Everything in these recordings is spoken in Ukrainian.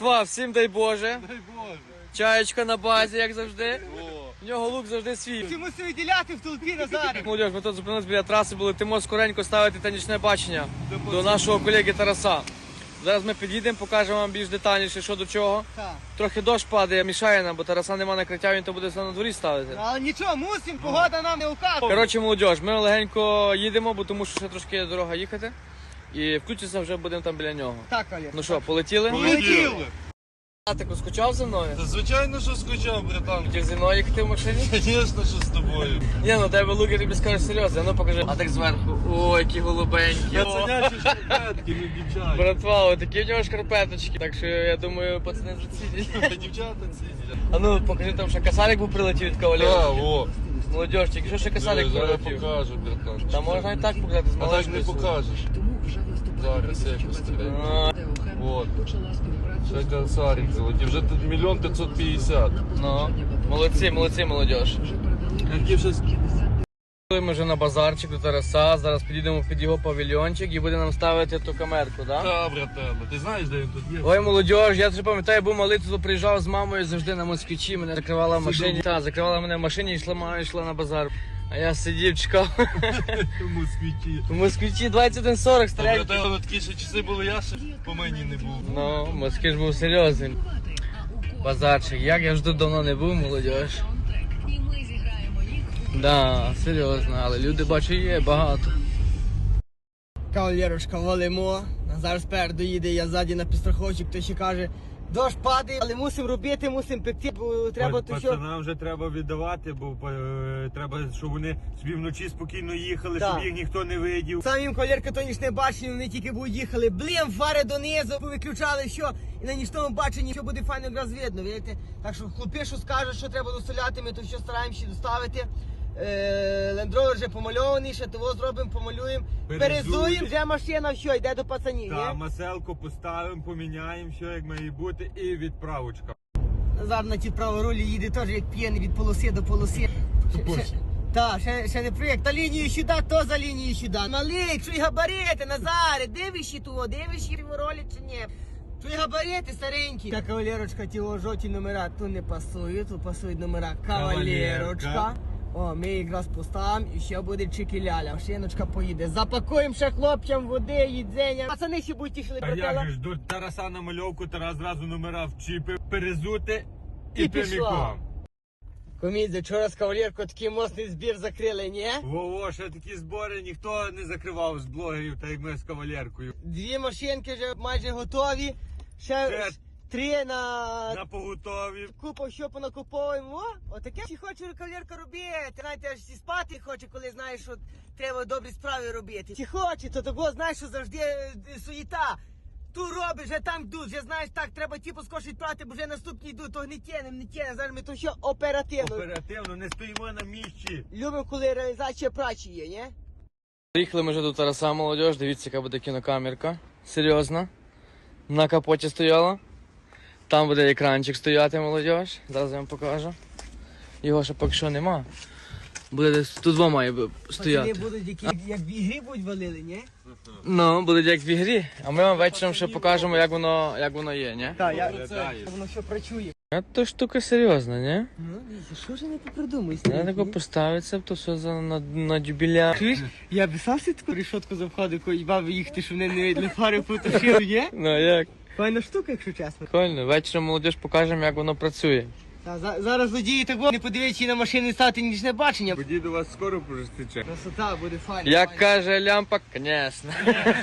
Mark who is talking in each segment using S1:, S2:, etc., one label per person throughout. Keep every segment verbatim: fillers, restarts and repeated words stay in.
S1: Два, всім дай Боже.
S2: Дай Боже.
S1: Чаєчка на базі, як завжди.
S2: О.
S1: В нього лук завжди свій.
S3: Ти мусив виділяти в толпі, Назаре.
S1: Молодіж, ми тут зупинилися біля траси, були тимо скоренько ставити та нічне бачення до нашого колеги Тараса. Зараз ми під'їдемо, покажемо вам більш детальніше, що до чого.
S3: Так.
S1: Трохи дощ падає, мішає нам, бо Тараса нема накриття, він то буде все на дворі ставити.
S3: Але нічого, мусимо, погода нам не указує.
S1: Коротше, молодіж, ми легенько їдемо, бо тому що ще трошки є дорога їхати. І включиться вже будемо там біля нього.
S3: Так, Олег.
S1: Ну що, полетіли?
S2: Полетіли.
S1: А ти скучав за мною?
S2: Та звичайно, що скучав, братан.
S1: Хотів зі мною їхати в машині?
S2: Звісно, що з тобою.
S1: Ні, ну тебе лук, я тобі скажу серйозно, ну покажи. А так зверху, о, які голубенькі. О.
S2: Пацанячі шкарпетки, не дівчата.
S1: Братва, о, такі в нього шкарпеточки. Так що я думаю, пацани зацінять.
S2: Дівчата цінять.
S1: А ну покажи там, що касалик був прилетів від кавалера.
S2: Так, о.
S1: Молодіж, тільки що ще касалик
S2: Зараз
S1: прилетів.
S2: покажу, братан.
S1: Та можна і так показати з
S2: А так
S1: малечкою.
S2: не покажеш. Зараз якось тебе.
S1: А,
S2: От. Ще красавчик золоті. Вже тут мільйон п'ятсот п'ятдесят.
S1: Ну, молодці, молодці, молодіж.
S2: Які вже...
S1: Ми вже на базарчик до Тараса, зараз підійдемо під його павільйончик і буде нам ставити ту камерку, так?
S2: Та, братан, ти знаєш, де він тут є?
S1: Ой, молодіж, я вже пам'ятаю, був малий, тут приїжджав з мамою завжди на москвичі, мене закривала в машині. Так, закривала мене в машині і йшла, мама йшла на базар. А я сидів, чекав.
S2: Тому світі.
S1: В москвичі двадцять один сорок стріляють.
S2: Братан, такі ще часи були, я ще по мені не був.
S1: Ну, москвич був серйозний. Базарчик, як я ж тут давно не був, молодіж. Да, серйозно, але люди, бачу, є багато.
S3: Кавалерочка, валимо. Назар спереду їде, я ззаді на підстраховчик, то ще каже, дощ падає, але мусимо робити, мусимо пекти, бо треба то що.
S4: Пацанам вже треба віддавати, бо е, треба, щоб вони собі вночі спокійно їхали,
S3: Так.
S4: щоб їх ніхто не видів.
S3: Сам їм кавалерка то ніч не бачили, вони тільки будуть їхали, блін, фари донизу, виключали, що, і на нічному баченні, що буде файно якраз видно, видите? Так що хлопи, що скажуть, що треба доставляти, ми то що стараємося доставити. Лендровер вже помальований, ще того зробимо, помалюємо.
S4: Перезуємо.
S3: Перезуємо, вже машина що, йде до пацанів,
S4: Та
S3: ні?
S4: маселку поставимо, поміняємо, що як має бути, і відправочка.
S3: Назар на ті праворулі їде теж як п'єний від полоси до полоси. Так, ще, ще не проєкт. Та лінію сюди, то за лінію сюди. Малий, чуй габарити, Назаре, дивишся того, дивишся в ролі чи ні? Чуй габарити старенькі. Та кавалерочка, ті о, жовті номера тут не пасують, тут пасують номера кавалерочка.
S4: Кавалерка.
S3: О, ми якраз поставимо і ще буде чики-ляля, шиночка поїде. Запакуємо ще хлопцям води, їдзення. Пацани ще будуть тішили
S4: А
S3: братела.
S4: як же ж до Тараса на мальовку, Тарас зразу номера вчіпив, перезути і,
S3: І пішла.
S4: прямиком.
S3: Комідзе, вчора з кавалеркою такий мостний збір закрили, ні?
S4: Во-во, ще такі збори ніхто не закривав з блогерів, так як ми з кавалеркою.
S3: Дві машинки вже майже готові. Ще
S4: Ще
S3: три на...
S4: На поготові.
S3: Купу що понакуповуємо. О, отаке ще хоче кавалерка робити. Навіть аж і спати хоче, коли знаєш, що треба добрі справи робити. Чи хоче, то того знаєш, що завжди е, суєта. Ту робиш, вже там йдуть, вже знаєш, так, треба ті поскочить прати, бо вже наступні йдуть, то не тянем, не тянем. Зараз ми то що оперативно.
S4: Оперативно, не стоїмо на місці.
S3: Любимо, коли реалізація прачі є, ні?
S1: Приїхали ми вже до Тараса, молодіж, дивіться, яка буде кінокамерка. Серйозно. На капоті стояла. Там буде екранчик стояти, молодіж. Зараз я вам покажу. Його ще поки що нема. Буде десь тут два має б- стояти.
S3: Пацани будуть, які, як в ігрі будуть валили, ні?
S1: Ну, буде як в ігрі. А ми вам вечором ще покажемо, як воно, як воно є, ні?
S3: Так, я...
S4: Виглядає.
S3: Воно що працює.
S1: А то штука серйозна, ні?
S3: Ну, дивіться, що ж не попридумай?
S1: Я тако поставиться, то все за на, на дюбіля.
S3: Чуєш, я б сам собі таку решетку завходив, коли баби їхати, щоб вони не видали фари потушили, є?
S1: Ну як?
S3: Файна штука, якщо чесно.
S1: Прикольно. Вечором молодіж покажемо, як воно працює.
S3: Та, за, зараз водії так не подивіться на машини стати нічне бачення.
S4: Тоді до вас скоро пожестиче.
S3: Красота буде файна.
S1: Як
S3: файна.
S1: каже лямпа, звісно.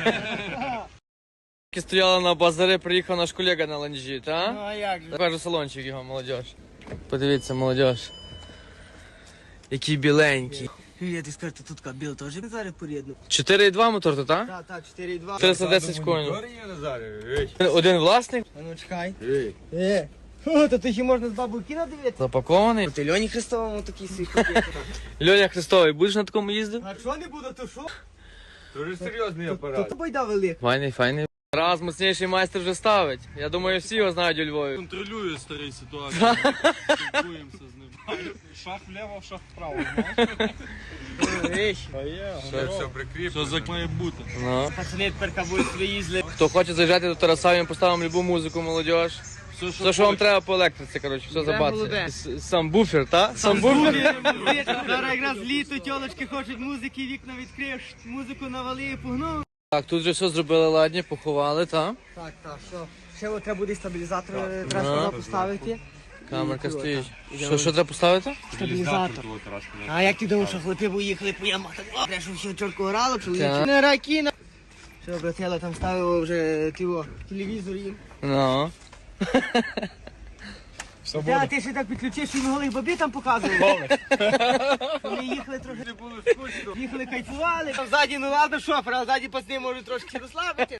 S1: Стояла на базарі, приїхав наш колега на ланжі,
S3: Ну,
S1: та?
S3: а як же?
S1: Покажу салончик його, молодіж. Подивіться, молодіж. Який біленький.
S3: Я ти скажу, тут кабіл теж зараз порідно.
S1: чотири і два мотор, то та?
S3: Так, так, чотири і два.
S1: триста десять коней.
S4: є, Назаре? Ей.
S1: Один власник,
S3: А ну чекай.
S4: Ей.
S3: Е. О, то ти ще можна з бабою кіно дивитися.
S1: запакований.
S3: Ти Льоні Христовому такий свій купити.
S1: Льоня Христовий, будеш на такому їздити?
S3: А що не буде, то що?
S4: Дуже серйозний
S3: То
S4: апарат.
S3: то байда велика.
S1: Файний, файний. Раз моцніший майстер вже ставить. Я думаю, всі його знають у Львові.
S2: Контролює старий ситуацію. Спілкуємося з ним.
S4: Шаг вліво, шаг вправо, знаєш?
S2: Все, все прикріплено. Все як має бути.
S1: Ну.
S3: Пацани тепер будуть собі їздили.
S1: Хто хоче заїжджати до Тараса, ми поставимо любу музику, молодіж.
S2: Все,
S1: Все, що вам треба по електриці, коротше, все
S3: Прям
S1: забацьте.
S3: голубе.
S1: С- Сам буфер, та? Сам буфер?
S3: Зараз якраз літо, тьолочки хочуть музики, вікна відкриєш, музику навали і погнув.
S1: Так, тут вже все зробили ладні, поховали, та?
S3: Так, так, що? Ще от треба буде стабілізатор, е,
S1: Ну.
S3: треба сюди поставити.
S1: Камерка
S3: І тут,
S1: стоїть.
S3: так.
S1: Що, що треба поставити?
S3: Стабілізатор. А як ти думаєш, що хлопці б їхали по ямах, так, о, треба, щоб все чітко грало, чоловіче.
S1: Так.
S3: Не ракіна. Що, братела, там ставило вже тіво, телевізор їм.
S1: Ну.
S3: Та, ти ще так підключив, що їм голих бабі там показували. Вони їхали трохи, їхали кайфували. Там ззаді, ну ладно, шофер, а ззаді пацани можуть трошки розслабити.